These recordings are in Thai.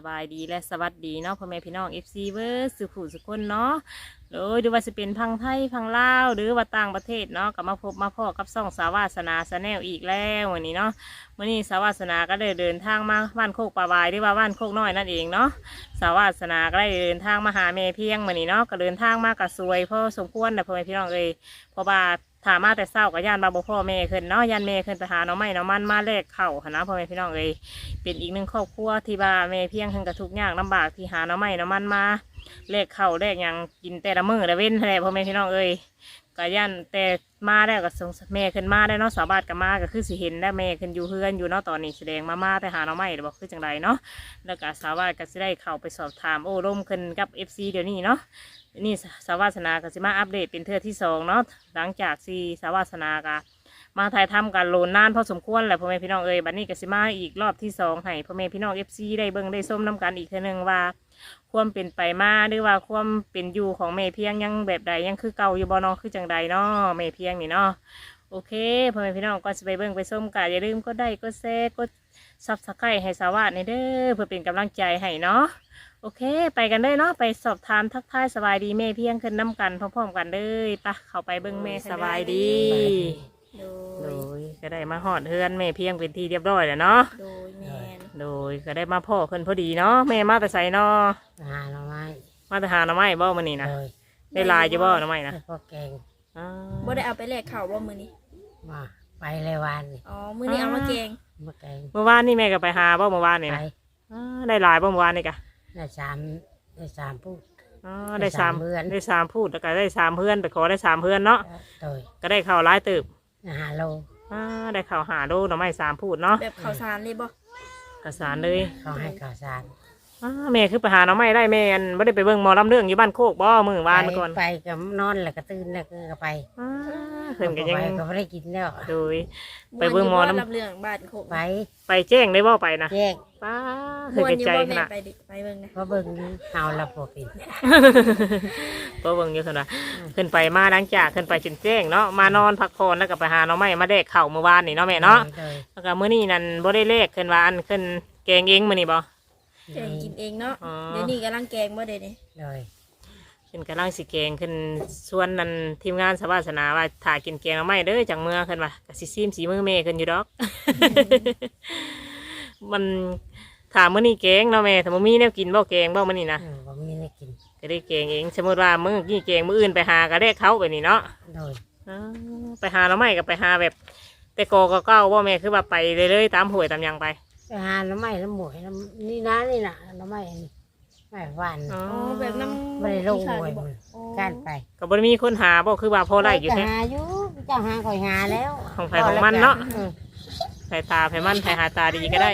บายดีและสวัสดีเนาะพ่อแม่พี่น้อง FC เวอร์สุขุสุขคนเนาะโดยดูว่าจะเป็นพังไทยพังลาวหรือว่าต่างประเทศเนาะก็มาพบมาพ่อกับซ่องสาวาสนาชาแนลอีกแล้ววันนี้เนาะวันนี้สาวาสนาก็ได้เดินทางมาบ้านโคกป่าบายหรือว่าบ้านโคกน้อยนั่นเองเนาะสาวาสนาก็ได้เดินทางมาหาแม่เพียงวันนี้เนาะก็เดินทางมากับสวยพ่อสมควรนะพ่อแม่พี่น้องเพราะว่าถามมาแต่เศร้ากับย่านบาบ่พ่อแม่ขึ้นเนาะย่านแม่ขึ้นไปหาน้องไม้น้องมันมาแลกเข่าหนะพ่อแม่พี่น้องเป็นอีกหนึ่งครอบครัวที่บ้าแม่เพียงขึ้นกับทุกอย่างลำบากที่หาน้องไม้น้องมันมาแลกเข่าแลกอย่างกินแต่ละมื้อละเว้นแท้พ่อแม่พี่น้องก็ย่านแต่มาได้ก็ส่งแม่ขึ้นมาได้เนาะสาวบ้านก็มาก็คือสิเห็นได้แม่ขึ้นอยู่เฮือนอยู่เนาะตอนนี้แสดงมาแต่หาน้องไม้บอกคือจังไรเนาะแล้วก็สาวบ้านก็สิได้เข้าไปสอบถามโอ้ร่มขึ้นกับ FC เดี๋ยวนี้เนาะนี่สาวาสนาก็สิมาอัปเดตเป็นเทื่อที่สองเนาะหลังจากที่สาวาสนากะมาถ่ายทำกันโลนนานพอสมควรแหละพ่อแม่พี่น้องบัดนี้ก็สิมาอีกรอบที่สองให้พ่อแม่พี่น้อง FC ได้เบิ่งได้ส้มน้ำกันอีกเทื่อนึงว่าความเป็นไปมาหรือว่าความเป็นอยู่ของแม่เพียงยังแบบใดยังคือเก่าอยู่บ่เนาะคือจังใดเนาะแม่เพียงนี่เนาะโอเคพ่อแม่พี่น้องก็จะไปเบิ่งไปส้มกันอย่าลืมกดไลค์กดแชร์กดซับสไครต์ให้สาวาในเด้อเพื่อเป็นกำลังใจให้เนาะโอเคไปกันเลยเนาะไปสอบถามทักทายสบายดีแม่เพียงขึ้นน้ำกันพร้อมๆกันเลยปะเข้าไปเบิ่งแม่สบายดีโดยก็ได้มาหอดเฮือนแม่เพียงเป็นที่เรียบร้อยแล้วเนาะโดยแมนโดยก็ได้มาพ่อเพิ่นพอดีเนาะแม่มาแต่ใส่เนาะหาหน่อไม้มาแต่หาหน่อไม้บ่มื้อนี้นะเลยได้ลายจะบ่หน่อไม้นะให้พวกแกงอ่าบ่ได้เอาไปแลกข้าวบ่มื้อนี้มาไปเลยวันนี่อ๋อมื้อนี้เอามาแกงมาแกงเมื่อวานนี่แม่ก็ไปหาบ่เมื่อวานนี่ไปนะอ่าได้ลายบ่เมื่อวานนี่กะได้สามพูดอ๋อได้สามได้สามเพื่อนได้สามพูดแล้วก็ได้สามเพื่อนไปขอได้สามเพื่อนเนาะโดยก็ได้ข้าวหลายตึบหาโลได้ข้าวหาโลหน่อไม้สามพูดเนาะแบบข้าวสารเลยบ่กระสานเลยเขาให้ข่าวสารแม่คือไปหาหน่อไม้ได้แม่อันไม่ได้ไปเบิ่งหมอลำเรื่องอยู่บ้านโคกบ่มื้อวานเมื่อก่อนไปกับนอนแล้วก็ตื่นแล้วก็ไปอ่าเพิ่นก็ยังไปก็ไม่ได้กินแล้วโดย ไปเบิ่งหมอน้ำรับเรื่องบ้านโคกไปไปแจ้งได้บ่ไปนะแจ้งป้าเคม่ยวนไปอยู่ใจบ่ขแม่นาดไปเบิ่งนะเพราะเบิ่งเอาละพวกกินเพราะเบิ่งอยู่ขนาดขึ้นไปมาหลังจากขึ้นไปจนแจ้งเนาะมานอนพักผ่อนแล้วก็ไปหาหน่อไม้มาแดกข้าวเมื่อวานนี่เนาะแม่เนาะโดยแล้วก็มื้อนี้นั่นบ่ได้เลขขึ้นว่าอันขึ้นแกงเองมื้อนี้บ่แกงกินเองเนาะอ๋อเดี๋ยวนี้กำลังแกงบ่ได้นี่โดยขึ้นกำลังสิแกงขึ้นส่วนนั้นทีมงานสวาสนาว่าถ่ายกินแกงหน่อไม้เด้อจังเมื่อขึ้นว่าก็สิซีมสีมือแม่ขึ้นอยู่ดอก มันถามมื้อนี้แกงเนาะแม่ถ้าบ่มีแนวกินบ่แกงบ่มื้อนี้นะผมมีได้กินก็ได้แกงเองสมมติว่ามื้อกี้แกงมื้ออื่นไปหาก็ได้เขาไปนี่เนาะโดยอ๋อไปหาหน่อไม้ก็ไปหาแบบ แต่กอก็เก้าบ่แม่คือว่าไปเรื่อยๆตามห้วยตามหยังไปไปหาหน่อไม้น้ำหมวยน้ำนี่นะนี่นะหน่อไม้นี่ไม่หวานอ๋ออ๋อแบบน้ำไม่ได้ลงขาหวยบ่มันอ๋อการไปก็บ่ได้มีคนหาบ่คือว่าพอได้อยู่จะแท้หาอยู่เจ้าหาคอยหาแล้วของไผของมันเนาะอืมใส่ตาไผมันไผหาตาดีก็ได้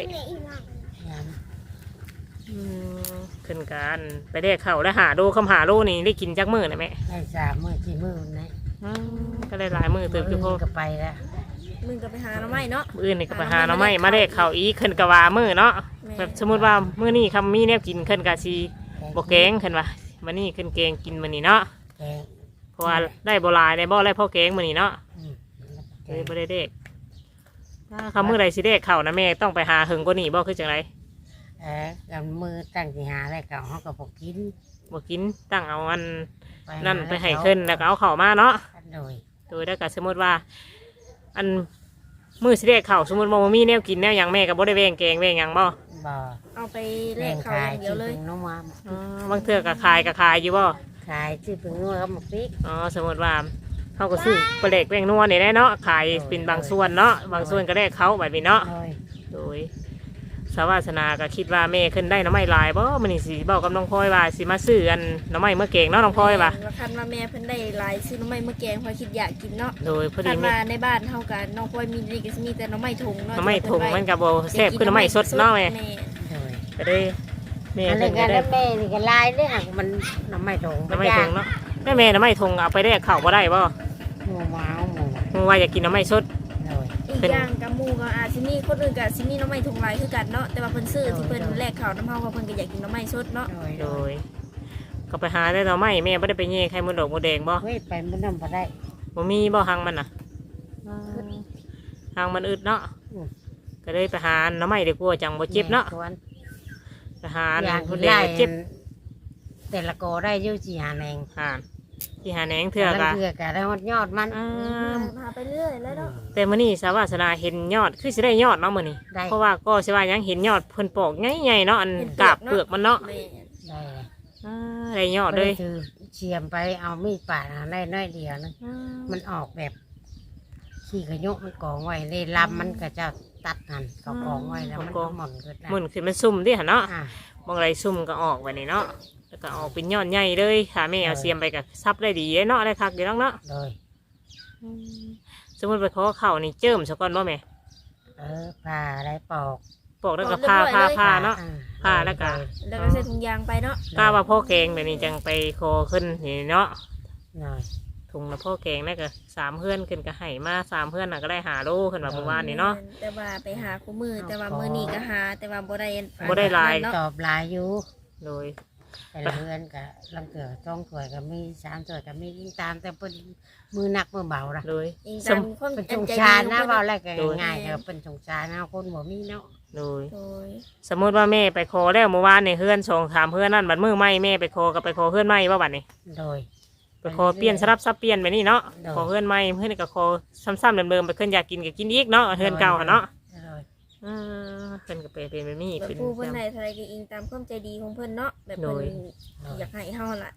อืมขึ้นกันไปได้เข้าแล้วหาโลคำหาโลนี่ได้กินจักมื้อนะแม่ได้3 มื้อ 4 มื้อนะอืมก็ได้หลายมื้อเติบอยู่พอก็ไปแล้วมึงก็ไปหาหน่อไม้เนาะมื้ออื่นนี่ก็ไปหาหน่อไม้มาได้เข้าอีกขึ้นก็ว่ามื้อเนาะแม่แบบสมมุติว่ามื้อนี้คำมีแนวกินขึ้นก็สิบ่แกงขึ้นว่ามื้อนี้ขึ้นแกงกินมื้อนี้เนาะแกงเพราะว่าได้บ่หลายได้บ่ได้พ่อแกงมื้อนี้เนาะอืมเลยบ่ได้เด็กถ้าคำมื้อใดสิเด็กเข้านะแม่ต้องไปหาหึงกว่านี้บ่คือจังไดกับมือตั้งสิหาอะไรกับเขาก็บอกกินบ่กินตั้งเอาอันหานั่นไปให้ขึ้นแล้วก็เอาเข้ามาเนาะโดยโดยแล้วก็สมมุติว่า อันมื้อสิเด็กเข้าสมมุติว่าบ่มีแนวกินแนวหยังแม่ก็บ่ได้แวงแกงแวงหยังบ่บ่เอาไปแลกข้าวอย่างเดียวเลยน้องมาอ๋อบางเทื่อก็ขายอยู่บ่ขายชื่อพึ่งนัวกับหมกพริกอ๋อสมมุติว่าเฮาก็ซื้อปลาแหลกแวงนัวนี่แหละเนาะขายเป็นบางส่วนเนาะบางส่วนก็ได้เขาแบบนี้เนาะโดยโดยสาวาสนาก็คิดว่าแม่ขึ้นได้หน้ำไม้หลายบ่มันนี่สิบอกกับน้องพลอยว่าสิมาซื้ออันหน้ำไม้เมื่อเก่งเนาะน้องพลอยว่าว่าคันว่าแม่เพิ่นได้หลายซื้อหน่อไม้มาแกงเพอคิดอยากกินเนาะโดยพอคัดีนแม่ว่าในบ้านเฮากันน้องพลอยมีนี่ก็สิมีแต่หน่อไม้ถุงเนาะหน้ำไม้ถุงมันกับโบแซ่บคือหน้ำไม้สดเนาะแม่โดยก็ได้แม่อันขึ้นี้นก็ก็ได้ได้แม่นี่ก็ลายเด้หักมันน้ำไม่ถงหน้ำไม้ถุงเนาะแม่หน้ำไม้ถุงเอาไปได้ข้าวบ่ได้บ่หมูหมาหมูมึงว่าอยากกินหน้ำไม้สดโดยอีกอย่างกับหมู่ก็อาจสิมีคนอื่นก็สิมีหน่อไม้ถุงหลายคือกันเนาะแต่ว่าเพิ่นซื้อที่เพิ่นแลกข้าวน้ำเฮาเพราะเพิ่นก็อยากกินหน่อไม้สดเนาะโดยโดย ก็ไปหาได้หน้ำไม้แม่ไม่ได้ไปเย่ไข่มดดอกมดแดงบ่เฮ้ยไปมันน้ำพอได้บ่มีบ่หังมันน่ะหังมันอึดเนาะอืมก็เลยไปหาหน้ำไม้ดีกว่าจังบ่เจ็บเนาะสวนหทหารอย่างผู้ที่แดได้งเจ็บแต่ละโกได้อยู่สี่หาแนงอ่าที่หาแหนงเถื่อกแล้วอะเถื่อกะได้ฮอดยอดมันอ่าพาไปเรื่อยแล้วเนาะแต่มื้อนี้สาวาสนาเห็นยอดคือสิได้ยอดเนาะมื้อนี้ได้เพราะว่าก็สิว่ายังเห็นยอดเพิ่นปอกใหญ่ๆเนาะอันกาบเปลือกมันเนาะแม่นได้เลยอ่าได้ยอดเลยก็ถือเชียมไปเอามีดปาดหาได้น้อยเดียวนะ มันออกแบบขี้กระยกมันกองไว้ในลำมันก็จะตัดหันเขากองไว้แล้วมันก็หม่อนเกิดได้หมุนขึ้นมันซุ่มดิหั่นเนาะอ่ะบางไรซุ่มก็ออกไว้นี่เนาะแล้วก็ออกเป็นยอดใหญ่เลยค่ะแม่เอาเสียมไปกับซับได้ดีเนาะได้คักเดี๋ยวเนาะโดยสมมติไปขอเข่านี่เจิมซะก่อนบ่แม่ผ่าได้ปอกปอกแล้วก็พาเนาะอ่ผ่าแล้วก็แล้วก็ใส่ถุงยางไปเนาะกล้าว่าพ่อแกงแบบนี้จังไปคอขึ้นนี่เนาะหน่อยถุงละพ่อแกงนั่นก็3เพื่อนขึ้นก็ให้มา3เพื่อนน่ะก็ได้5 โลขึ้นมาเมื่อวานนี่เนาะแต่ว่าไปหาคู่มือแต่ว่ามื้อนี้ก็หาแต่ว่าบ่ได้บ่ได้หลายเนาะตอบหลายอยู่โดยแต่ละเพื่อนก็ลังเกิดต้องถวยก็มี3ถวยก็มียิ่งตามแต่เป็นมือหนักมือเบาละโดยอิงสตาม มความเป็นสงใจชาญดีนะของเว่าเพิ่นแรกก็ง่ายๆก็เป็นสงชาญนะคนบ่มีเนาะโดยโดยสมมติว่าแม่ไปคอแล้วเมื่อวานนี่เพื่อน2-3เพื่อนนั่นบัดมือไหมแม่ไปคอก็ไปคอเพื่อนไหมว่าบัดนี้โดยไปขอเปลี่ยนสลับซับเปลี่ยนไปนี่เนาะเนาะขอเพื่อนใหม่เพื่อนก็ขอซ้ำๆเดิมๆไปเพื่อนอยากกินก็กินอีกเนาะเพื่อนเก่าหั่นเนาะโดยเพื่อนก็เป็นแบบนี้แบบเป็นผู้เพิ่นให้เท่าไรก็อิงตามความใจดีของเพิ่นเนาะแบบเพิ่นโดยอยากให้เฮาล่ะ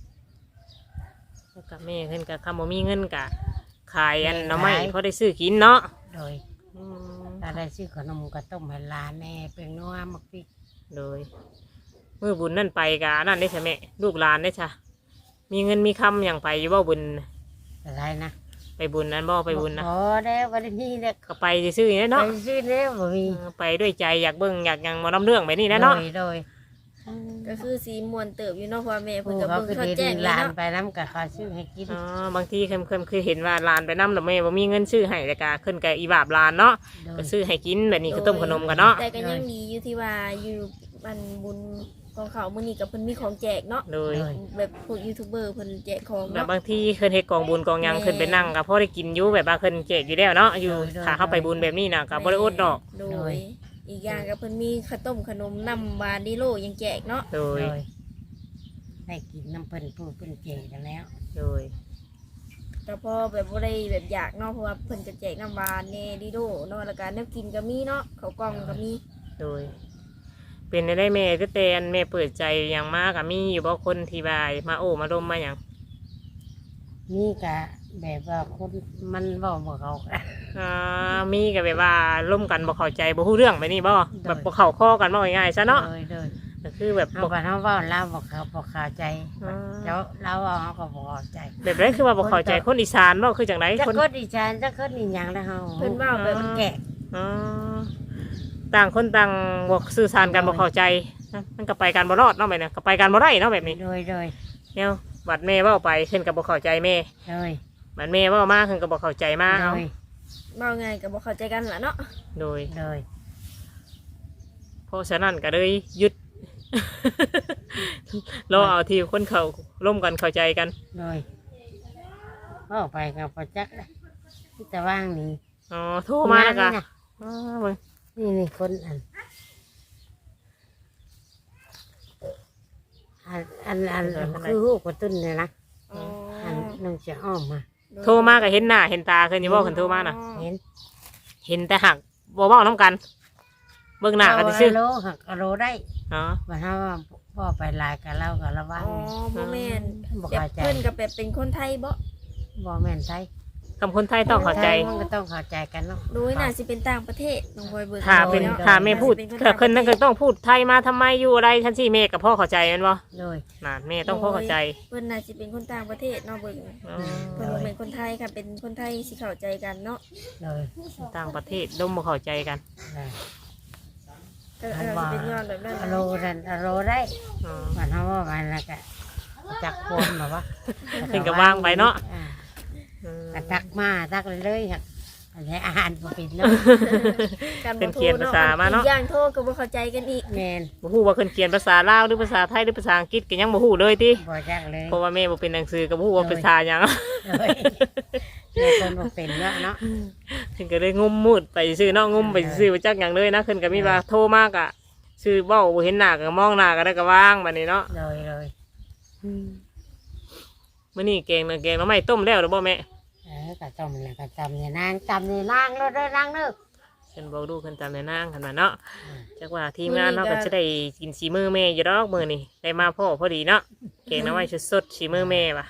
แล้วกับแม่เพื่อนก็คำว่ามีเงินกะขายอันเนาะไม่เพราะได้ซื้อกินเนาะโดยถ้าได้ซื้อขนมก็ต้มให้หลานแน่เป็นนัวมักพริกโดยมือบุญนั่นไปกะนั่นได้ใช่ไหมลูกหลานได้ใช่มีเงินมีคำอย่างไปอยู่บ่บุญอะไรนะไปบุญนั้นบ่ไปบุญนะพอแล้ววันนี้เนี่ยก็ไปซื้อๆนี่ไปเนาะซื้อแล้วบ่มีไปด้วยใจอยากเบิ่งอยากหยังมาน้ำเรื่องไปนี่นะเนาะโดยก็คือสีม่วนเติบอยู่เนาะเพราะว่าแม่เพิ่นผู้ก็เขาเบิ่งคือเขาเดิแจ้งนเลยลานเนาะไปน้ำกับเขาซื้อให้กินอ๋อบางทีเคยเห็นว่าหลานไปน้ำแต่แม่บ่มีเงินซื้อให้แต่กะขึ้นกับอีบาบหลานเนาะโดก็ยซื้อให้กินแบบนี้ก็ต้มขนมกันเนาะแต่ก็ยังดีอยู่ที่ว่าอยู่บ้านบุญของเขามื้อนี้ก็เพิ่นมีของแจกเนาะโดยแบบพวกยูทูบเบอร์เพิ่นแจกของแบบเนาะบางทีเคยเฮ็ดกองบุญกองหยังขึ้นไปนั่งก็พอได้กินอยู่แบบว่าขึ้นเจกอยู่แล้วเนาะอยู่ถ้าเข้าไปบุญแบบนี้นะก็บ่ได้อดดอกโดยอีกอย่างก็เพิ่นมีข้าวต้มขนมน้ำบานดิโลยังแจกเนาะโดโดยยได้กินน้ำเพิ่นผู้เพิ่นเจกันแล้วโดยแต่พอแบบบ่ได้แบบอยากเนาะเพราะว่าเพิ่นจะแจกน้ำบานแน่ดิโลเนาะแล้วก็แนวกินก็มีเนาะข้าวกล่องก็มีโดย เป็นได้แม่ก็แต่อันแม่เปิดใจอย่างมากอะมีอยู่บ่คนที่บายมาโอ้มาดมมาหยังนี่กะแบบว่าคนมันเว้าบ่เขากันมีก็แบบว่าร่วมกันบ่เข้าใจบ่ฮู้เรื่องไปนี่บ่แบบบ่เข้าข้อกันบ่ง่ายๆซะเนาะโดยก็คือแบบเฮาก็เฮาเว้าลาวบ่เขาบ่เข้าใจอ่าแล้วเราเว้าเฮาก็บ่เข้าใจแบบนั้นคือว่าบ่เข้าใจคนอีสานบ่คือจังไดจะคนก็ดีใจจะก็ดีหยังแล้วเฮาเพิ่นเว้าแบบมันแก่อ๋อต่างคนต่างบ่สื่อสารกันบ่เข้าใจนะมันก็ไปกันบ่รอดเนาะแบบนี้ก็ไปกันบ่ได้เนาะแบบนี้โดยเนี่ยบัดแม่เว้าไปขึ้นก็บ่เข้าใจแม่โดยบัดแม่เว้ามาขึ้นก็บ่เข้าใจมาโดเอายเว้าไงก็บ่เข้าใจกันล่ะเนาะโดยโดยเพราะฉะนั้นก็เลยหยุด รอเอาที่คนเขาร่วมกันเข้าใจกันโดยเข้าไปกับประจักษ์เลยที่ตะว่างนี่อ๋อโทรมาแล้วก็นี่นะอ๋อเบิ่งนี่คนอันคือหูกระตุ้นเนี่ยนะอ๋ออันน้องจะอ้อมมาโทรมาก็เห็นหน้าเห็นตาขึ้นอยู่บ่ขึ้นโทรมาน่ะเห็นเห็นแต่หักบ่เว้าน้ำกัน เบิ่งหน้ากันซื่อโลหักโลได้อ๋อมาถ้าว่าพ่อไปลายกับเรากับระวังอ๋อบ่แม่นบอกแบบเข้าใจเพิ่นก็แบบเป็นคนไทยบ่บ่แม่นไทยคำคนไทยต้องเข้าใจมันก็ต้องเข้าใจกันเนาะโดยน่าสิเป็นต่างประเทศน้องบอยเบิ่งถ้าเป็นนาะถ้าแม่พูดน่สิเกิดคนนั้นก็ต้องพูดไทยมาทำไมอยู่อะไรท่านสิแม่กับพ่อเข้าใจแม่นบ่โดยน่ะแม่ต้องพ่อเข้าใจเพิ่นน่าสิเป็นคนต่างประเทศเนาะเบิ่งอ๋อเพิ่นบ่เป็นคนไทยค่ะเป็นคนไทยสิเข้าใจกันเนาะโดยต่างประเทศร่วมบ่เข้าใจกันก็สิเป็นย้อนแบบนั้นโลนันโลได้อ๋อมันเขาว่ามันแล้วก็จักโคนแบบว่าขึ้นกับว่างไปเนาะ อืมก็ตักมาตักเลยๆครับอันนี้อาหารบ่เป็นเนาะการบ่เป็นเขียนภาษามาเนาะอีกอย่างโทรก็บ่เข้าใจกันอีกแมนบ่ฮู้ว่าเพิ่นเขียนภาษาลาวหรือภาษาไทยหรือภาษาอังกฤษก็ยังบ่ฮู้เลยติบ่จักเลยเพราะว่าแม่บ่เป็นหนังสือก็บ่ฮู้ว่าภาษาหยังเลยแม่คนบ่เป็นเนาะเพิ่นก็เลยงุมมืดไปซื่อเนาะงุมไปซื่อบ่จักหยังเลยนะเพิ่นก็มีว่าโทรมากอะชื่อเบ้าบ่เห็นหน้าก็มองหน้าก็ได้ก็ว่างบัดนี้เนาะเลยมื้อนี้แกงน่ะแกงหน่อไม้ต้มแล้วหรือบ่แม่กะต้มแล้วก็จำเนี่ยนางจำเนี่ยนางแล้วเด้อนางเด้อเพิ่นบอกดูเพิ่นตามแนวนางกันมาเนาะจักว่าทีมงานเนาะก็จะได้กินสีมือแม่อยู่ดอกมื้อนี้ได้มาพ่อพอดีเนาะแกงหน่อไม้สดๆสีมือแม่ว่ะ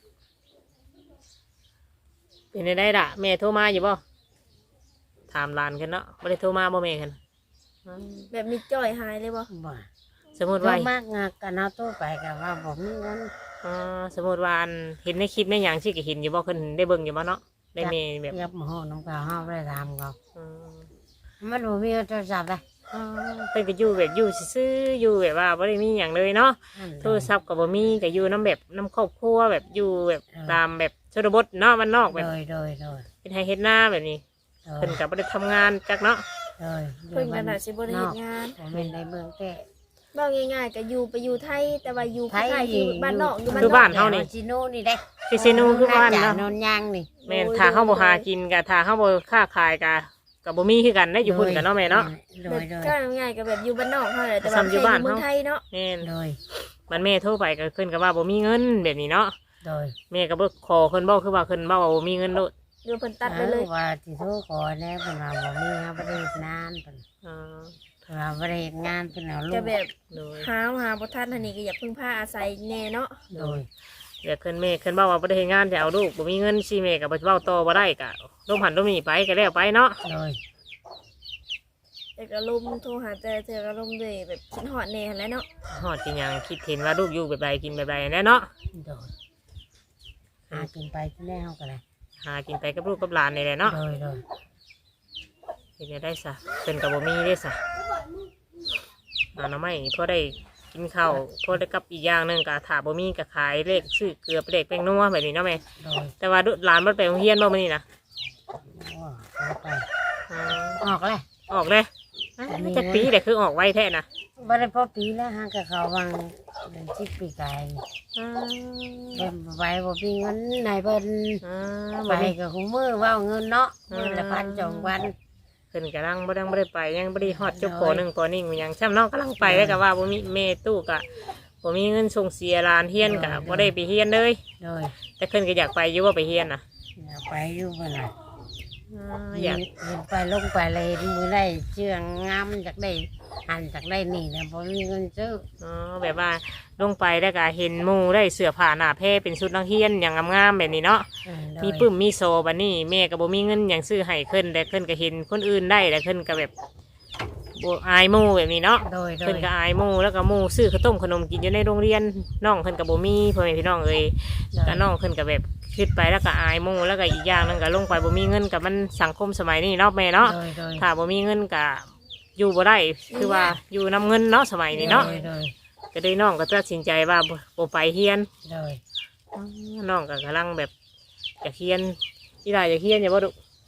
เป็นได้ล่ะแม่โทรมาอยู่บ่ถามหลานกันเนาะบ่ได้โทรมาบ่แม่กันแบบมีจ้อยหายเลยบ่บ่สมมุติว่าว่ามากงากันเอาตู้ไปกับว่าผมมีเงินสมมุติว่าอันเห็นในคลิปในหยังสิก็เห็นอยู่บ่เพิ่นได้เบิ่งอยู่บ่เนาะได้แม่แบบเรียบหม้อน้ำกาห้าได้ทำเขาอืมมันบ่มีโทรศัพท์เลยเพิ่นก็อยู่แบบอยู่ซื่อๆอยู่แบบว่าบ่ได้มีหยังเลยเนาะโทรศัพท์ก็บ่มีก็อยู่น้ำแบบน้ำครอบครัวแบบอยู่แบบตามแบบชนบทเนาะบ้านนอกแบบโดยเป็นไฮเฮ็ดหน้าแบบนี้เพิ่นก็บ่ได้ทำงานจักเนาะเพิ่นก็น่าสิบ่ได้เฮ็ดงานผมเป็นในเมืองแก่เว้าง่ายๆก็อยู่ไปอยู่ไทยแต่ว่าอยู่คล้ายๆอยู่บ้านนอกอยู่บ้านคือนอบ้าก นเฮานี่จิโน่นี่ได้คือซินูคือบ้านเนาะนนยางนี่แม่นถ้าเฮาบ่หากินก็ถ้าเฮาบ่ค้าขายก็บ่มีคือกันได้อยู่พุ่นกันเนาะแม่เนาะโดแบบยก็ง่ายๆก็แบบอยู่บ้านนอกเฮาแหละแต่ว่าซ้ำอยู่แค่บ้านอยู่เมืองเฮาไทยเนาะแม่นโดยมันแม่โทรไปก็เพิ่นก็ว่าบ่มีเงินแบบนี้เนาะโดยแม่ก็บ่ขอเพิ่นบ่คือว่าเพิ่นเว้าว่าบ่มีเงินโลดเดี๋ยวเพิ่นตัดไปเลยว่าที่โทรขอแน่เป็นว่าบ่มีครับบ่ได้เฮ็ดงานเป็นอ่าว่าบ่ได้เฮ็ดงานเป็นเอาลูก็กแบบโดยหาบ่ทันอันนี้ก็อยากพึ่งพาอาศัยแน่เนาะโดยเดี๋ยวเพิ่นแม่เพิ่นเว้าว่าบ่ได้เฮ็ดงานจะเอาลูกบ่มีเงินสิแม่ก็บ่เว้าต่อบ่ได้ก็ลมหันลมนี่ไปก็แล้วไปเนาะโดยแต่ก็ลมโทรหาแต่เธอก็ลมด้วยแบบคิดฮอดแน่หั่นแหละเนาะฮอดกินหยังคิดเห็นว่าลูกอยู่แบบใดกินแบบใดแน่เนาะโดยหากินไปที่แล้วก็ได้หากินไปกับลูกกับหลานนี่แหละเนาะโดยเฮ็ดได้ซะเพิ่นก็บ่มีเด้ซะหาหน่อไม้พอได้กินข้าวพอได้กับอีกอย่างหนึงก็ถ้าบ่มีก็ขายเลขซื้อเกลือเลขแป้งนัวแบบนี้เนาะแม่โดยแต่ว่าหลานบ่ไปโรงเรียนบ่มื้อนี้นะว่าเอาไปอ๋อออกเลยออกเลยจักปีแต่คือออกไวแท้นะบ่ได้พอปีแล้วฮะกับเขาวางเดือน10ปีกายอืมเพิ่นไปบ่มีเงินไหนเพิ่นอ่าไปบ่มีกับหูมือเว่าเงินเนาะมือละพันสองพันเพิ่นกำลังบ่ได้ไปยังบ่ได้ฮอดจบป .1 ป .1 มันยังช่ำเนาะกำลังไปแล้วก็ว่าบ่มีแม่ตู้ก็บ่มีเงินส่งเสียหลานเฮียนก็บ่ได้ไปเฮียนเลยโดยแต่เพิ่นก็อยากไปอยู่ว่าไปเฮียนน่ะอย่าไปอยู่เพิ่นน่ะอยากเห็นไปลงไปเลยมือได้เชื่องงามจากได้หันจากได้นี่นะบ่มีเงินซื้ออ๋อแบบว่าลงไปแล้วก็เห็นหมู่ได้เสื้อผ้าหน้าแพรเป็นชุดนักเรียนอย่างงามๆแบบนี้เนาะโดยมีปึ้มมีโซบัดนี้แม่ก็บ่มีเงินหยังซื้อให้เพิ่นแต่เพิ่นก็เห็นคนอื่นได้แล้วเพิ่นก็แบบบ่อายหมู่แบบนี้เนาะโดยเพิ่นก็อายหมู่แล้วก็หมู่ซื้อข้าวต้มขนมกินอยู่ในโรงเรียนน้องเพิ่นก็บ่มีพ่อแม่พี่น้องเอ้ยก็น้องเพิ่นก็แบบคิดไปแล้วก็อายหมู่แล้วก็อีกอย่างหนึงก็ลงไปบ่มีเงินกับมันสังคมสมัยนี้เนาะแม่เนาะโดยถ้าบ่มีเงินก็อยู่บ่ได้คือว่าอยู่นํเงินเนาะสมัยนี้เนาะโดยก็เลยน้องก็ตัดสินใจว่าบ่ไปเรียนโดยน้องก็กำลังแบบอยากเรียนอีหลายอยากเรียนอย่าบ่ดุ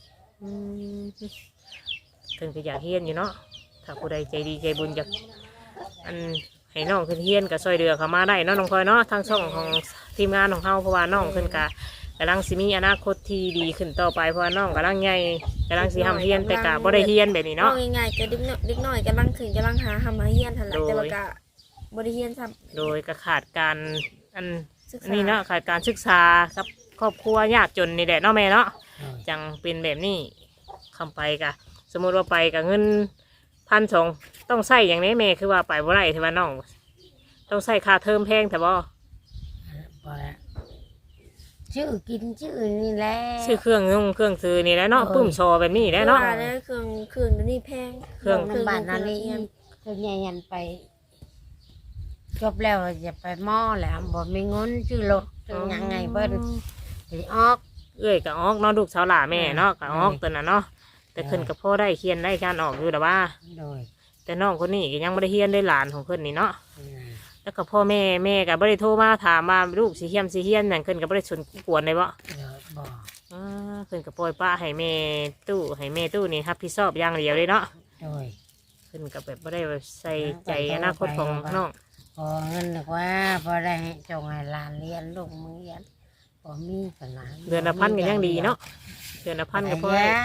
เพิ่นก็อยากเรียนอยู่เนาะถ้าผู้ใดใจดีใจบุญอยากอันให้น้องขึ้นเรียนก็ช่วยเหลือเขามาได้เนาะน้องพลอยเนาะทางช่องของทีมงานของเฮาเพราะว่าน้องเพิ่นก็กำลังสิมีอนาคตที่ดีขึ้นต่อไปเพราะว่าน้องกำลังใหญ่กำลังสิทำเรียนแต่ก็บ่ได้เรียนแบบนี้เนาะเว้าง่ายๆก็เด็กน้อยกำลังขึ้นกำลังหาเฮียนหั่นแหละโดยแต่ว่าก็บ่ได้เฮียนซ้ำโดยก็ขาดการอันศึกอัษานนี้เนาะขาดการศึกษาครับครอบครัวยากจนนี่แหละเนาะแม่เนาะโดยจังเป็นแบบนี้คำไปกะสมมติว่าไปกับเงิน1,200ต้องใส่อย่างนี้แม่คือว่าไปบ่ได้ที่ว่าน้อง ต้องใส่ค่าเทอมแพงแต่บ่บ่ละชื่อกินชื่อนี่แหละซื้อเครื่องนุ่งเครื่องซื้อนี่แหล้วเนาะโอ้ยปุ้มโชว์แบบนี้แหล้วเนาะว่าแล้วเครื่องเดี๋ยวนี้แพงเครื่องน้ำบ้านนั่นนี่ตัวใหญ่ยันไปจบแล้วจะไปหม้อแหล้วบ่มีเงินชื่อรถชื่อหยังไงเพิ่นสิออกเอ้ยก็ออกเนาะลูกสาวหล่าแม่เนาะก็ออกโอ้ยตัวน่ะเนาะแต่ขึ้นกับพ่อได้เขียนได้การออกอยู่แต่ว่าโดยแต่น้องคนนี้ก็ยังไม่ได้เฮียนได้หลานของเพิ่นนี่เนาะอืมแล้วก็พ่อแม่ก็บ่ได้โทรมาถามมาลูกสิเฮียนนั่นเพิ่นก็บ่ได้สนกวนเลยบ่เดี๋ยวบ่เพิ่นก็ปล่อยป้าให้แม่ตู้นี่รับผิดชอบอย่างเดียวเลยเนาะโดยเพิ่นก็แบบบ่ได้ใส่ใจอนาคตของน้องพอเงินดีกว่าพอได้ให้จงให้หลานเรียนลูกมึงเรียนพอมีกันหลานเดือนละพันก็ยังดีเนาะเดือนละพันก็พอได้ได้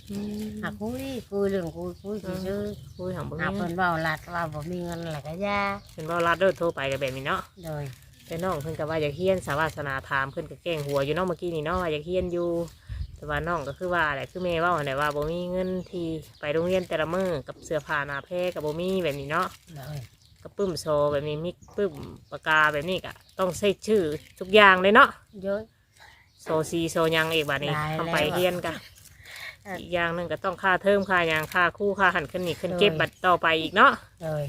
หาคุยเรื่องคุยซื่อคุยของบ่หามีเพิ่นเว้าลัดว่าบ่มีเงินแล้วก็ย่าเพิ่นเว้ารัดเด้อโทรไปก็แบบนี้เนาะโดยแต่น้องเพิ่นก็ว่าอยากเฮียนสาวาสนาถามเพิ่นก็แกล้งหัวอยู่เนาะเมื่อกี้นี่เนาะว่าอยากเฮียนอยู่แต่ว่าน้องก็คือว่าแหละคือแม่เว้าหั่นแหละว่าบ่มีเงินที่ไปโรงเรียนแต่ละมื้อกับเสื้อผ้าหน้าแพรก็บ่มีแบบนี้เนาะโดยกระปึ้มโซแบบนี้มิกปึ้มปากกาแบบนี้ก็ต้องใส่ชื่อทุกอย่างเลยเนาะเยอะโซซีโซยังอีกบัดนี้ได้ทำไปแล้วเฮียนกันอีกอย่างหนึงก็ต้องค่าเทอมค่าหยางค่าคู่ค่าหันขึ้นนี่ขึ้นเก็บบัตรต่อไปอีกเนาะโดย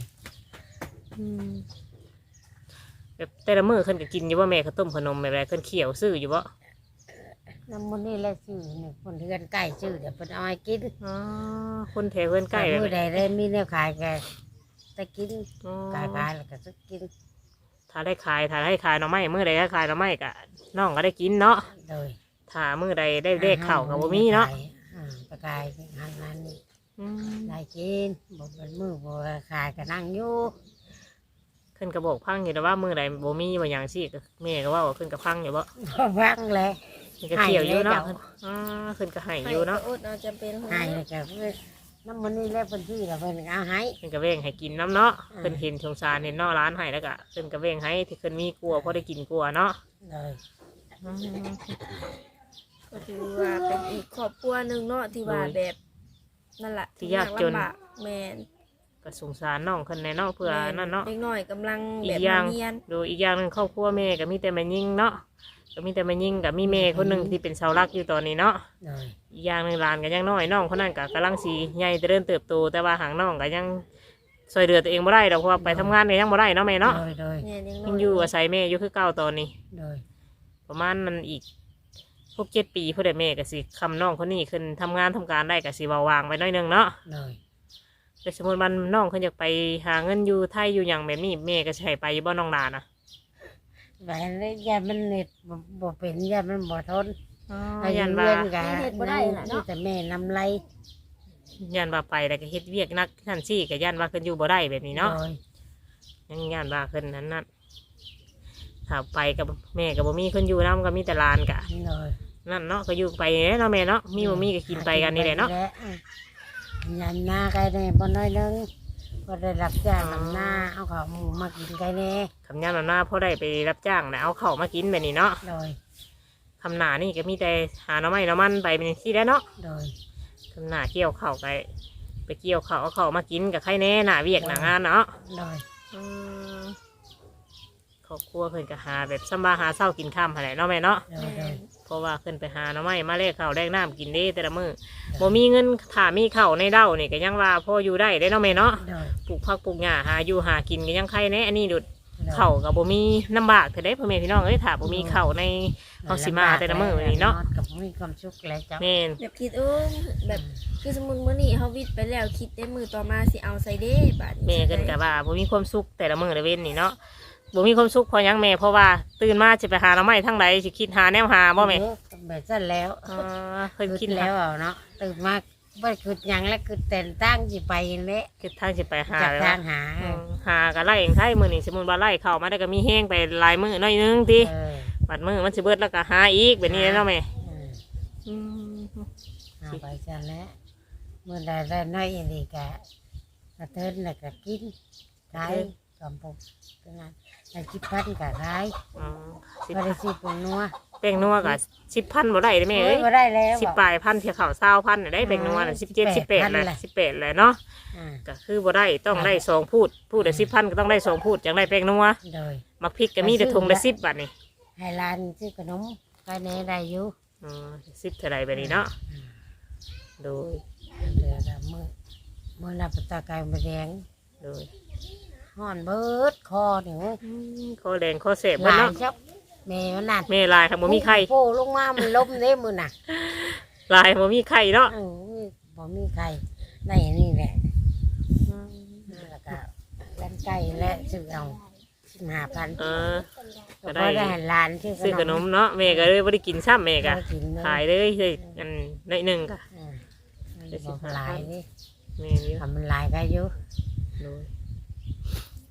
แบบแต่ละมื้อขึ้นก็กินอยู่ว่าแม่ข้าวต้มขนมแบบไรขึ้นเขียวซื้ออยู่บ่น้ำมันนี่แหละชื่อนี่คนเฮือนใกล้ชื่อเดี๋ยวเพิ่นเอาให้กินอ๋อคนแถวเพื่อนใกล้แบบมื้อใดได้มีแนวขายก็จะกินอ๋อขายแล้วก็จะกินถ้าได้ขายหน่อไม้มื้อใดได้ขายหน่อไม้ก็น้องก็ได้กินเนาะโดยถ้ามื้อใดได้เลขเข่ากับบ่มีเนาะปลากายงานนั้นนี่อืมได้กินบ่เป็นมือบ่ขายก็นั่งอยู่ขึ้นกระบอกพังอยู่แต่ว่ามื้อใดบ่มีบ่หยังสิก็แม่ก็ว่าขึ้นกระพังอยู่บ่บ่ฟังเลยขึ้นก็เขียวอยู่เนาะให้เลยเจ้าอ๋อขึ้นก็ให้อยู่เนาะอดเอาจำเป็นของให้แล้วก็น้ำมันนี่แหละเพิ่นที่แล้วเพิ่นเอาให้ขึ้นก็เว้งให้กินน้ำเนาะอ่าขึ้นเห็นสงสารเห็นเนาะร้านให้แล้วก็ขึ้นก็เว้งให้ที่ขึ้นมีกลัวพอได้กินกลัวเนาะเลยอืมก็ถือว่าเป็นอีกครอบครัวหนึงเนาะที่ว่าแบบนั่นแหละลำบากแม่นก็สงสารน้องขึ้นในเนาะเพื่อนั่นเนาะเด็กน้อยกำลังอีแบบกอย่างเรียนดูอีกอย่างหนึ่งครอบครัวแม่ก็มีแต่แม่ยิ่งเนาะก็มีแต่แม่ยิ่งกับมีแม่คนหนึ่งที่เป็นเสาหลักอยู่ตอนนี้เนาะเลยอีกอย่างหนึ่งหลานก็ยังน้อยน้องคนนั้นก็กำลังสีใหญ่เจริญเติบโตแต่ว่าหางน้องก็ยังช่วยเหลือตัวเองบ่ได้ดอกเพราะว่าไปทำงานก็ยังบ่ได้เนาะแม่เนาะโดยแม่ยังน้ยังอยู่อาศัยแม่อยู่คือเก่าตอนนี้โดยประมาณนั้นอีก6-7 ปีเพื่อได้แม่ก็สิคำน้องคนนี้ขึ้นทำงานทำการได้ก็สิเบาๆวางไปหน้อยหนึงเนาะเลยแต่สมมติมันน้องเขาอยากไปหาเงินอยู่ไทยอยู่อย่างแบบนี้แม่ก็สิใช้ไปอยู่บ่น้องหลานนะไปเลยยามันเน็ตบ่เป็นยามันบ่ทนอายันว่ากันนี่แต่แม่นำไรยันว่าไปแล้วก็เฮ็ดเวียกนักท่านซี่ก็ยันว่าขึ้นอยู่บ่ได้แบบนี้เนาะโดยยังยันว่าขึ้นนั้นนั่นถ้าไปกับแม่กับบ่มีคนอยู่นำก็มีแต่หลานกะโดยนั่นเนาะก็อยู่ไปเนาะแม่เนาะมีบ่มีก็กินไปกันนี่แหละเนาะยันหน้าไก่แน่บ่น้อยนึงก็ได้รับจ้างนำหน้าเอาข้าวหมูมากินไก่แน่คำยันว่าหน้าพ่อได้ไปรับจ้างนะเอาเข้าวมากินแบบนี้เนาะโดยคำหนานี่ก็มีแต่หาหน่อไม้หน่อมันไปเป็นที่แล้วเนาะโดยคำหนาเกี่ยวข้าวไปเกี่ยวข้าวเอาข้าวมากินกับใครแน่หน้าเวียกหน้างานเนาะโดยอืมครอบครัวเพิ่นก็หาแบบซ้ำบาหาเศร้ากินค่ำอะไรเนาะแม่เนาะโดยโดยเพราะว่าขึ้นไปหาหน่อไม้มาแลกข้าวแลกน้ำกินเด้แต่ละมื้อบ่มีเงินถามีข้าวในเด้านี่ก็ยังว่าพออยู่ได้เด้เนาะแม่เนาะโดยปลูกผักปลูกหญ้าหาอยู่หากินก็ยังใครแน่อันนี้ดุดข้าวก็บ่มีลำบากเท่าใดพ่อแม่พี่น้องเอ้ยถ้าบ่มีข้าวในเฮาสิมาแต่ละมื้อนี่เนาะกับมีความสุขแล้วจ้ะแม่นแบบคิดแบบคือสมมุติมื้อนี้เฮาวิทย์ไปแล้วคิดได้มือต่อมาสิเอาใส่เด้บาดนี้แม่ขึ้นก็ว่าบ่มีความสุขแต่ละมื้อละเว้นนี่เนาะบ่มีความสุขเพราะหยังแม่เพราะว่าตื่นมาสิไปหาหน่อไม้ทางใดสิคิดหาแนวหาบ่แม่แบบสั้นแล้วเพิ่นคิดแล้แล้ว วเอาเนาะตื่นมาบ่คือหยังแล้วคือแต่งตั้งสิไปเละคือทางสิไปหาจากแล้วทางหาหาก็ไล่เองไทยมื้อนี้สมมุติว่าไล่เข้ามาได้ก็มีแห้งไปหลายมื้อหน่อยนึงติเออบัดมื้อมันสิเบิดแล้วก็หาอีกแบบนี้เนาะแม่เอออืมหาไปจันแล้วเมื่อใดได้น้อยอีหลีกะกระเทินแล้วก็กินขายกำปุกเป็นไงไอ้คิดพันกะขายอ๋อก็ได้สิเป็นนัวแป้งนัวก็10,000บ่ได้เด้แม่เอ้ยบ่ได้แล้ว 10ปลายพันเที่ยวข้าว20,000น่ะได้แป้งนัวน่ะ17 18แหละ18แหละเนาะอ่าก็คือบ่ได้ต้องได้2พูดละ10,000ก็ต้องได้2พูดจังได้แป้งนัวโดยมักพริกก็มีแต่ถุงละ10บาทนี่ให้ร้านซื้อขนมก็แน่ได้อยู่อ๋อ10เท่าใดแบบนี้เนาะโดยเดือดมือรับประตาไก่มาแดงโดยห่อนเบิดคอเนี่ยข้อแดงข้อเสพหเบิดลายเนาะชับแม่มันนั่นแม่ลายครับบ่มีไข่โผล่ลงมามันล้มเด้มือน่ะลายบ่มีไข่เนาะเออบ่มีใครได้อันนี่แหละแล้วก็ร้านไก่และซื้อเอา15,000 เออก็ได้ได้ให้ร้านซื้อขนมเนาะแม่ก็เลยบ่ได้กินซ้ำแม่ก็ได้กินเลยขายเลยได้อันน้อยหนึงก็อ่ามันบอกหลายนี่แม่นี่ทำมันหลายก็อยู่โดย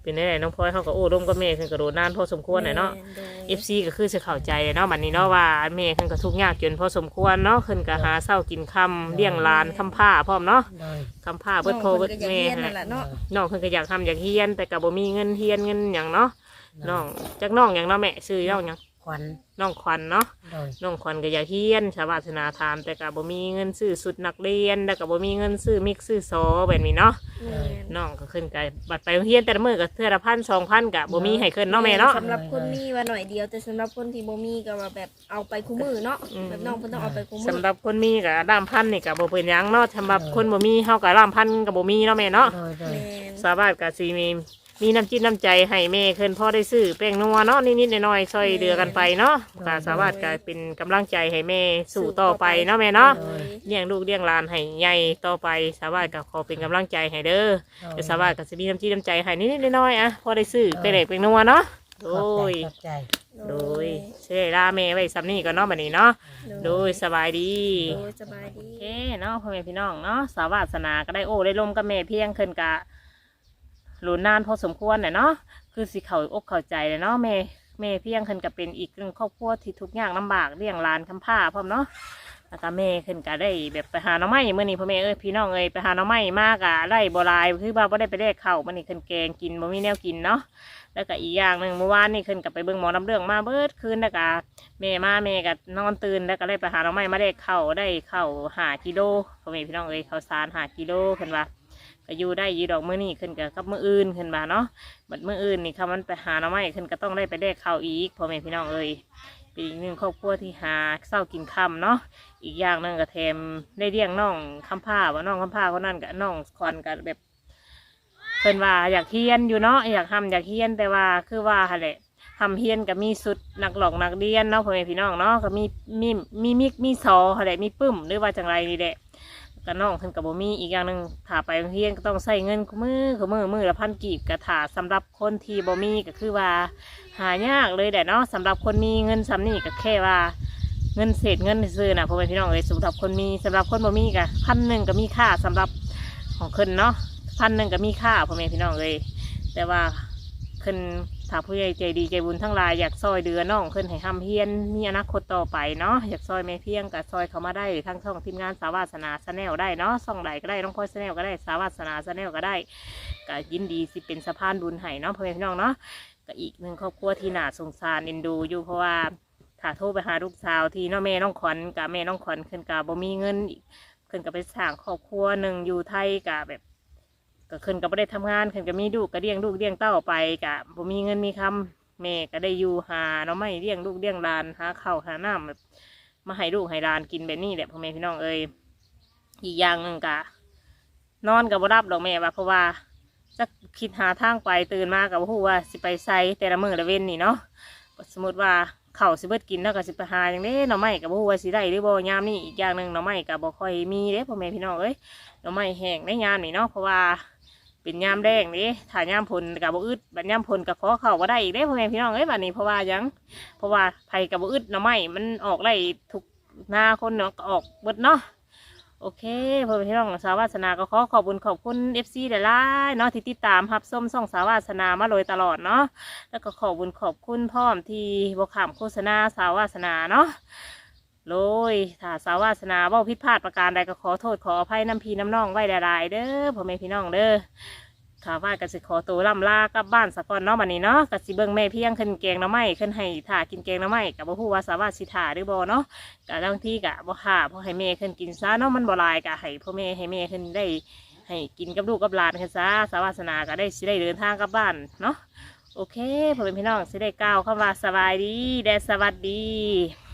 เป็นได้น้องพลอยเขาก็โอ้ร่มกับแม่ขึ้นกระโดดนานพอสมควรเลยเนาะ FC ก็คือจะเข้าใจเนาะบัดนี้เนาะว่าแม่ขึ้นก็ทุกข์ยากจนพอสมควรเนาะขึ้นก็หาเช้ากินค่ำเลี้ยงหลานค้ำผ้าพร้อมเนาะโดยค้ำผ้าเบิดพ่อเบิดแม่นั่นแหละเนาะน้องขึ้นก็อยากทำอยากเฮียนแต่ก็บ่มีเงินเฮียนเงินหยังเนาะน้องจักน้องหยังเนาะแม่ซื้อน้องหยังขวัญน้องขวัญเนาะโดยน้องขวัญก็อยากเฮียนชาวบ้านศาสนาถามแต่ก็บ่มีเงินซื้อชุดนักเรียนแล้วก็บ่มีเงินซื้อมิกซื้อซอแบบนี้เนาะแม่นน้องก็ขึ้นกับบัตรไปโรงเรียนแต่ละมื้อก็เทื่อละ1,000-2,000ก็บ่มีให้ขึ้นเนาะแม่เนาะสำหรับคนมีว่าหน่อยเดียวแต่สำหรับคนที่บ่มีก็ว่าแบบเอาไปคู่มือเนาะอืมแบบน้องเพิ่นต้องเอาไปคู่มือสำหรับคนมีก็ด้ามพันนี่ก็บ่เป็นหยังเนาะสำหรับคนบ่มีเฮาก็ด้ามพันก็บ่มีเนาะแม่เนาะโดยโดยแม่นสาวบ้านก็สิมีน้ำจิตน้ำใจให้แม่ขึ้นพ่อได้ซื้อแป้งนัวเนาะนิดๆหน่อยๆช่วยเดือกันไปเนาะก็สาวบ้านก็เป็นกำลังใจให้แม่สู่ต่อไปเนาะแม่เนาะโดยเลี้ยงลูกเลี้ยงหลานให้ใหญ่ต่อไปสาวบ้านก็ขอเป็นกำลังใจให้เด้อ เดี๋ยวสาวบ้านก็จะมีน้ำจิตน้ำใจให้นิดๆหน่อยๆอ่ะพอได้ซื้อไปเด็กเป็นนัวเนาะโดขอบใจโดยเชื่อลาแม่ไว้ซ้ำนี่ก็เนาะบัดนี้เนาะโดยสบายดีโดยสบายดีโอเคเนาะพ่อแม่พี่น้องเนาะสาววาสนาก็ได้โอ้ได้ลมกับแม่เพียงขึ้นกะหลุนนานพอสมควรเนาะคือสิเขาอกเข้าใจเลยเนาะแม่เพียงขึ้นกับเป็นอีกหนึ่งครอบครัวที่ทุกอย่างลำบากเลี้ยงหลานคำผ้าพร้อมเนาะแล้วก็แม่ขึ้นก็ได้แบบไปหาหน่อไม้เมื่อนี้พ่อแม่พี่น้องไปหาหน่อไม้มากะไร่โบราณคือว่าบ่ได้ไปแลกข้าวมื่อนี้ขึ้นแกงกินบ่มีแนวกินเนาะแล้วก็อีกอย่างหนึ่งเมื่อวานนี่ขึ้นกับไปเบิ่งหมอน้ำเรื่องมาเบิดคืนแล้วก็แม่ก็นอนตื่นแล้วก็ได้ไปหาหน่อไม้มาแลกข้าวได้ข้าว5 กิโลพ่อแม่พี่น้องข้าวสาร5 กิโลขึ้นว่าก็อยู่ได้ยีดอกมื้อนี้ขึ้นกับมื้ออื่นขึ้นมาเนาะบัดมื้ออื่นนี่ค่ะมันไปหาหน่อไม้ขึ้นก็ต้องได้ไปแลกข้าวอีกพ่อแม่พี่น้องเป็นอีกหนึ่งครอบครัวที่หาเช้ากินค่ำเนาะอีกอย่างหนึ่งก็แถมได้เลี้ยงน้องคำผ้าว่าน้องคำผ้าคนนั้นกับน้องคอนกับแบบเพิ่นว่าอยากเฮียนอยู่เนาะอยากทำอยากเฮียนแต่ว่าคือว่าหั่นแหละทำเฮียนกับมีสุดนักหลอกนักเรียนเนาะพ่อแม่พี่น้องเนาะก็มีซอหั่นแหละมีปึ้มหรือว่าจังไรนี่แหละก็น้องเพิ่นกับบ่มีอีกอย่างหนึ่งถ้าไปโรงเรียนก็ต้องใส่เงินมือละ1,000 กีบก็ถ้าสำหรับคนที่บ่มีก็คือว่าหายากเลยแหละเนาะสำหรับคนมีเงินซ้ำนี่ก็แค่ว่าเงินเศษเงินซื้อนะพ่อแม่พี่น้องสำหรับคนมีสำหรับคนบ่มีก็1,000ก็มีค่าสำหรับของคนเนาะ1,000ก็มีค่าพ่อแม่พี่น้องแต่ว่าคนถ้าผู้ใหญ่ใจดีใจบุญทั้งหลายอยากซอยเดือน้องคนให้ทำเฮียนมีอนาคตต่อไปเนาะอยากซอยแม่เพียงกับซอยเขามาได้ทั้งช่องทีมงานสาวาสนาชาแนลได้เนาะช่องใดก็ได้น้องพลอยชาแนลก็ได้สาวาสนาชาแนลก็ได้ก็ยินดีสิเป็นสะพานบุญให้เนาะพ่อแม่พี่น้องเนาะก็อีกหนึ่งครอบครัวที่น่าสงสารเอ็นดูอยู่เพราะว่าถ้าโทรไปหาลูกสาวที่น้องแม่น้องขวัญกับแม่น้องขวัญขึ้นกับบ่มีเงินขึ้นกับไปสร้างครอบครัวหนึ่งอยู่ไทยกับแบบก็ขึ้นกับไม่ได้ทำงานขึ้นกับมีลูกก็เลี้ยงลูกเลี้ยงเต้าไปกับบ่มีเงินมีคำแม่ก็ได้อยู่หาเนาะไม่เลี้ยงลูกเลี้ยงหลานหาข้าวหาน้ำแบบมาให้ลูกให้หลานกินแบบนี้แหละพ่อแม่พี่น้องอีกอย่างหนึ่งกะนอนกับบ่รับดอกแม่ว่าเพราะว่าจะคิดหาทางไปตื่นมากับผู้ว่าสิไปไซแต่ละมื้อละเว้นนี่เนาะสมมติว่าข้าวสิเบิดกินแล้วก็สิไปหาอย่างนี้หน่อไม้กับผู้ว่าสิได้หรือบ่ยามนี่อีกอย่างหนึ่งหน่อไม้กับบ่ค่อยมีเด้พ่อแม่พี่น้องหน่อไม้แห้งในยามนี่เนาะเพราะว่าเป็นยามแดงนี่ถ้ายามพลกับบ่อึดบัดยามพลกับขอเข้าบ่ได้อีกเด้พ่อแม่พี่น้องบัดนี้เพราะว่ายังเพราะว่าไผกับบ่อึดหน่อไม้มันออกได้ทุกหน้าคนเนาะก็ออกเบิดเนาะโอเคพ่อแม่พี่น้องสาววาสนาก็ขอบคุณ FC หลายๆเนาะที่ติดตามรับชมช่องสาววาสนามาโดยตลอดเนาะแล้วก็ขอบคุณพร้อมที่บ่ข้ามโฆษณาสาววาสนาเนาะโดยถ้าสาววาสนาเว้าผิดพลาดประการใดก็ขอโทษขออภัยน้ำพี่น้ำน้องไว้หลายๆเด้อพ่อแม่พี่น้องเด้อข้าว่าก็สิขอตัวล่ำลากลับบ้านสักก่อนเนาะบัดนี้เนาะก็สิเบิ่งแม่เพียงขึ้นแกงหน่อไม้ขึ้นให้ถ่ากินแกงหน่อไม้ก็บ่ฮู้ว่าสาวาสิถ่าหรือบ่เนาะก็บางทีก็บ่ถ่าเพราะให้แม่ขึ้นกินซะเนาะมันบ่หลายก็ให้พ่อแม่ให้แม่ขึ้นได้ให้กินกับลูกกับหลานขึ้นซะสาวาสนาก็ได้สิได้เดินทางกลับบ้านเนาะโอเคพ่อแม่พี่น้องสิได้กล่าวคำว่าสบายดีและสวัสดี